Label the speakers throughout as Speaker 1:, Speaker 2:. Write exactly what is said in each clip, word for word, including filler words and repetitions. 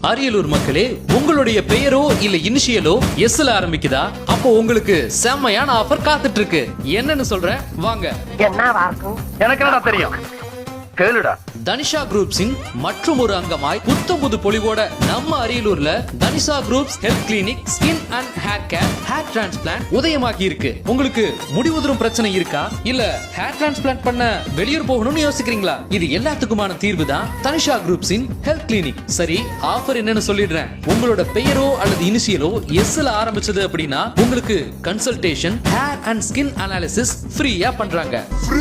Speaker 1: அரியலூர் மக்களே, உங்களுடைய பெயரோ இல்ல இனிஷியலோ எஸ்ல ஆரம்பிக்குதா? அப்போ உங்களுக்கு செம்மையான ஆஃபர் காத்துட்டு இருக்கு. என்னன்னு சொல்றேன் வாங்க.
Speaker 2: எனக்கு என்னடா தெரியும், கேளுடா.
Speaker 1: தனிஷா குரூப்ஸின் மற்றும் ஒரு அங்கமாய் புத்தம் புது பொலிவோட நம்ம அரியலூர்ல Tanisha groups health clinic skin and hair care hair transplant உதயமாகி இருக்கு. உங்களுக்கு முடி உதிரும் பிரச்சனை இருக்கா? இல்ல ஹேர் டிரான்ஸ்பிளான்ட் பண்ண வெளியூர் போகணும்னு யோசிக்கிறீங்களா? இது எல்லாத்துக்குமான தீர்வு தான் தனிஷா குரூப்ஸின் ஹெல்த் கிளினிக். சரி, ஆஃபர் என்னன்னு சொல்லிடுறேன். உங்களோட பெயரோ அல்லது இனிஷியலோ எஸ்ல ஆரம்பிச்சது அப்படின்னா உங்களுக்கு consultation, hair and skin analysis ஃப்ரீயா பண்றாங்க.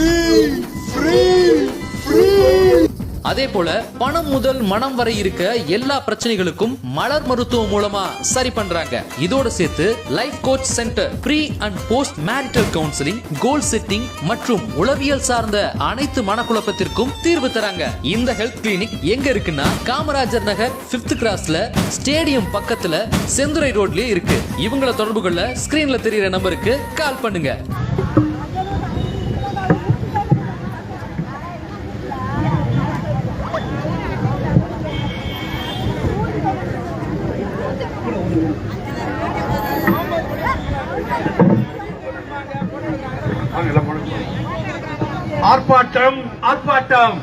Speaker 1: அதே போல பணம் முதல் மனம் வரை இருக்க எல்லா பிரச்சனைகளுக்கும் மலர் மருத்துவம் மூலமா சரி பண்றாங்க. இதோட சேர்த்து life coach centre, pre and post marital counselling, goal setting மற்றும் உளவியல் சார்ந்த அனைத்து மனக்குழப்பத்திற்கும் தீர்வு தராங்க. இந்த ஹெல்த் கிளினிக் எங்க இருக்குன்னா காமராஜர் நகர் பிப்த் கிராஸ்ல ஸ்டேடியம் பக்கத்துல செந்துரை ரோட்லயே இருக்கு. இவங்கள தொடர்பு கொள்ள ஸ்கிரீன்ல தெரியுற நம்பருக்கு கால் பண்ணுங்க.
Speaker 2: ஆர்ப்பாட்டம் ஆர்ப்பாட்டம்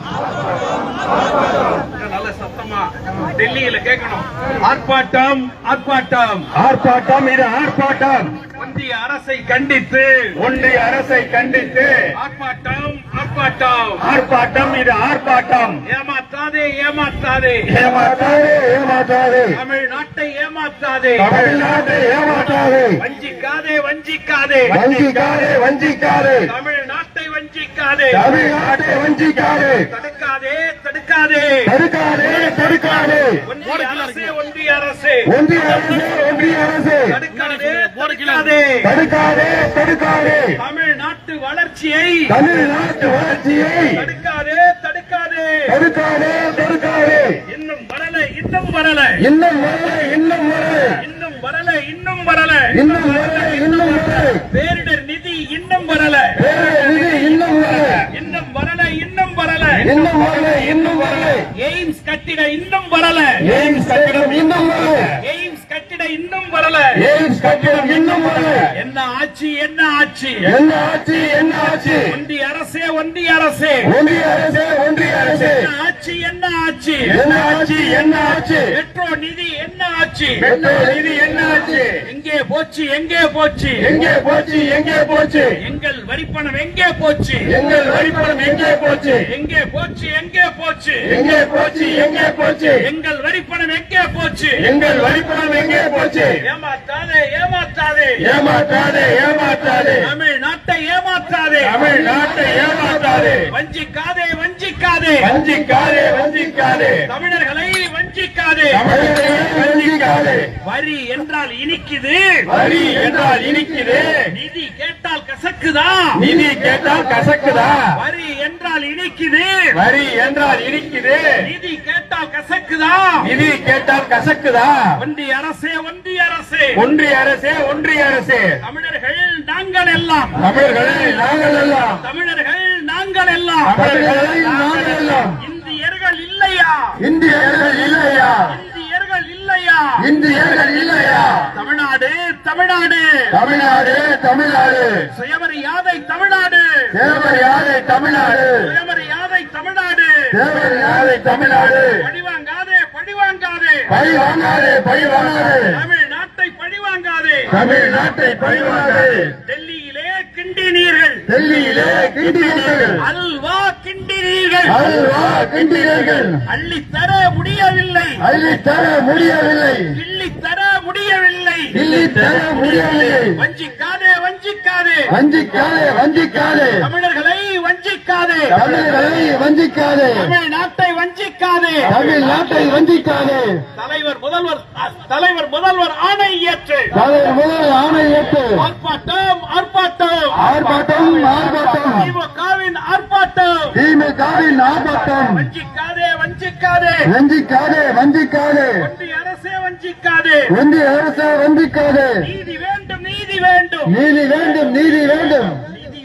Speaker 2: நல்ல சத்தமா டெல்லியில கேட்கணும். ஆர்ப்பாட்டம் ஆர்ப்பாட்டம் ஆர்ப்பாட்டம் இது ஆர்ப்பாட்டம். ஒன்றிய அரசை கண்டித்து ஒன்றிய அரசை கண்டித்து ஆர்ப்பாட்டம் ஆர்ப்பாட்டம் ஆர்ப்பாட்டம் இது ஆர்ப்பாட்டம். ஏமாற்றாதே ஏமாற்றாதே ஏமாற்றாதே ஏமாற்றாதே தமிழ்நாட்டை ஏமாற்றாதே தமிழ்நாட்டை ஏமாற்றாதே வஞ்சிக்காதே வஞ்சிக்காதே வஞ்சிக்காதே வஞ்சிக்காதே தமிழ்நாட்டை வஞ்சிக்காதே தமிழ்நாட்டை வஞ்சிக்காதே தடுக்காதே தடுக்காதே தடுக்காதே தடுக்காதே ஒன்றிய அரசே ஒன்றிய அரசே ஒன்றிய அரசே ஒன்றிய அரசே தடுக்காதே தடுக்காதே தடுக்காதே தடுக்காதே தமிழ்நாட்டு வளர்ச்சியை தமிழ்நாட்டு வளர்ச்சியை தடுக்காதே தடுக்காதே தடுக்காதே தடுக்காதே இன்னும் வரல இன்னும் வரல இன்னும் வரல இன்னும் வரல இன்னும் வரல இன்னும் வரல இன்னும் வரல இன்னும் வரல பேரிடர் நிதி இன்னும் வரல பேரிடர் நிதி இன்னும் வரல இன்னும் வரல இன்னும் வரல இன்னும் வரல இன்னும் வரல எய்ம்ஸ் கட்டிட இன்னும் வரல எய்ம்ஸ் கட்டிடம் இன்னும் வரல எய்ம்ஸ் கட்டிட இன்னும் வரல எய்ம்ஸ் கட்டிடம் இன்னும் வரல. என்ன ஆட்சி என்ன ஆட்சி என்ன ஆட்சி என்ன ஆட்சி ஒன்றிய அரசே ஒன்றிய அரசே ஒன்றிய அரசே ஒன்றிய அரசே என்ன ஆட்சி என்ன ஆட்சி என்ன ஆட்சி என்ன ஆட்சி மெட்ரோ நிதி என்ன ஆட்சி மெட்ரோ நிதி என்ன ஆட்சி எங்கே போச்சு எங்கே போச்சு எங்கே போச்சு எங்கே போச்சு எங்கள் வரிப்பணம் எங்கே போச்சு எங்கள் வரிப்பணம் எங்கே போச்சு எங்கே போச்சு எங்கே போச்சு எங்கே போச்சு எங்கே போச்சு எங்கள் வரிப்பணம் எங்கே போச்சு எங்கள் வரிப்பணம் எங்கே போச்சு ஏமாற்றாதே ஏமாற்றாதே ஏமாற்றாதே ஏமாற்றாதே தமிழ்நாட்டை ஏமாற்றாதே தமிழ்நாட்டை ஏமாற்றாதே வஞ்சிக்காதே வஞ்சிக்காதே வஞ்சிக்காதே வஞ்சிக்காதே தமிழர்களை வஞ்சிக்காதே தமிழர்களை வஞ்சிக்காதே. வரி என்றால் இனிக்குது வரி என்றால் இனிக்குது நிதி கேட்டால் கசக்குதா நிதி கேட்டால் கசக்குதா வரி என்றால் இனிக்குது வரி என்றால் இனிக்குது நிதி கேட்டால் கசக்குதா நிதி கேட்டால் கசக்குதா ஒன்றிய அரசே ஒன்றிய அரசே ஒன்றிய அரசே ஒன்றிய அரசே தமிழர்கள் நாங்கள் எல்லாம் தமிழர்கள் நாங்கள் எல்லாம் தமிழர்கள் நாங்கள் எல்லாம் தமிழர்கள் நாங்கள் எல்லாம் இந்தியர்கள் இல்லையா இந்தியர்கள் இல்லையா இந்தியர்கள் இல்லையா இந்தியர்கள் இல்லையா தமிழ்நாடு தமிழ்நாடு தமிழ்நாடு தமிழ்நாடு சுயமரியாதை தமிழ்நாடு சுயமரியாதை தமிழ்நாடு சுயமரியாதை தமிழ்நாடு சுயமரியாதை தமிழ்நாடு பழிவாங்காதே பழிவாங்காதே பழிவாங்காதே பழிவாங்காதே தமிழ்நாட்டை பழிவாங்காதே தமிழ்நாட்டை பழிவாங்காதே. டெல்லியிலே கிண்டினீர்கள் டெல்லியிலே கிண்டினீர்கள் அல்வா கிண்டினீர்கள் அல்வா கிண்டினீர்கள் அள்ளித்தர முடியவில்லை அள்ளித்தர முடியவில்லை கிள்ளித்தர முடியவில்லை கிள்ளித்தர முடியவில்லை வஞ்சிக்காதே வஞ்சிக்காதே வஞ்சிக்காதே வஞ்சிக்காதே தமிழர்களை வஞ்சிக்காதே தமிழர்களை வஞ்சிக்காதே தமிழ்நாட்டை வஞ்சிக்காதே தமிழ்நாட்டை வஞ்சிக்காதே. தலைவர் முதல்வர் தலைவர் முதல்வர் ஆணை ஏற்று தலைவர் முதல்வர் ஆணை ஏற்று ஆர்ப்பாட்டம் ஆர்ப்பாட்டம் ஆர்ப்பாட்டம் ஆர்ப்பாட்டம் திமுகவின் ஆர்ப்பாட்டம் திமுகவின் ஆர்ப்பாட்டம் வஞ்சிக்காதே வஞ்சிக்காதே வஞ்சிக்காதே வஞ்சிக்காதே ஒன்றிய அரசே வஞ்சிக்காதே ஒன்றிய அரசே வஞ்சிக்காதே. நீதி வேண்டும் நீதி வேண்டும் நீதி வேண்டும் நீதி வேண்டும் நீதி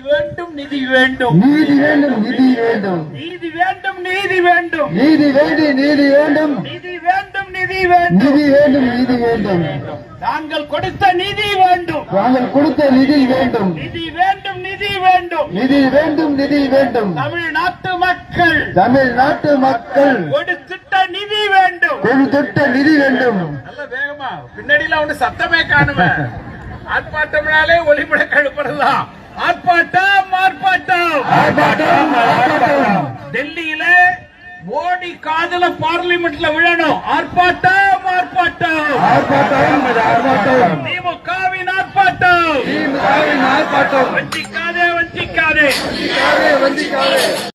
Speaker 2: வேண்டும் நிதி வேண்டும்
Speaker 3: நீதி வேண்டும் நிதி வேண்டும்
Speaker 2: நீதி வேண்டும் நீதி வேண்டும்
Speaker 3: நீதி வேண்டும் நீதி வேண்டும்
Speaker 2: நிதி வேண்டும் நிதி வேண்டும்
Speaker 3: நிதி வேண்டும் நிதி வேண்டும்
Speaker 2: நாங்கள் கொடுத்த நிதி வேண்டும்
Speaker 3: நாங்கள் கொடுத்த நிதி வேண்டும்
Speaker 2: நிதி வேண்டும் நிதி வேண்டும்
Speaker 3: நிதி வேண்டும் நிதி வேண்டும்
Speaker 2: தமிழ்நாட்டு மக்கள்
Speaker 3: தமிழ்நாட்டு மக்கள்
Speaker 2: கொடுத்திட்ட நிதி வேண்டும்
Speaker 3: கொடுத்திட்ட நிதி வேண்டும்
Speaker 2: நல்ல வேகமா பின்னாடியில ஒண்ணு சத்தமே காணுமே ஆர்ப்பாட்டம்னாலே ஒளிமுழக்க எழுப்புறதுதான் ஆர்ப்பாட்டம் ஆர்ப்பாட்டம்
Speaker 3: ஆர்ப்பாட்டம் ஆர்ப்பாட்டம்
Speaker 2: டெல்லியில மோடி காதுல பார்லிமெண்ட்ல விழணும் ஆர்ப்பாட்டம் ஆர்ப்பாட்டம்
Speaker 3: ஆர்ப்பாட்டம் ஆர்ப்பாட்டம்
Speaker 2: திமுகவின் ஆர்ப்பாட்டம்
Speaker 3: திமுகவின் ஆர்ப்பாட்டம்
Speaker 2: வஞ்சிக்காதே வஞ்சிக்காதே
Speaker 3: வஞ்சிக்காதே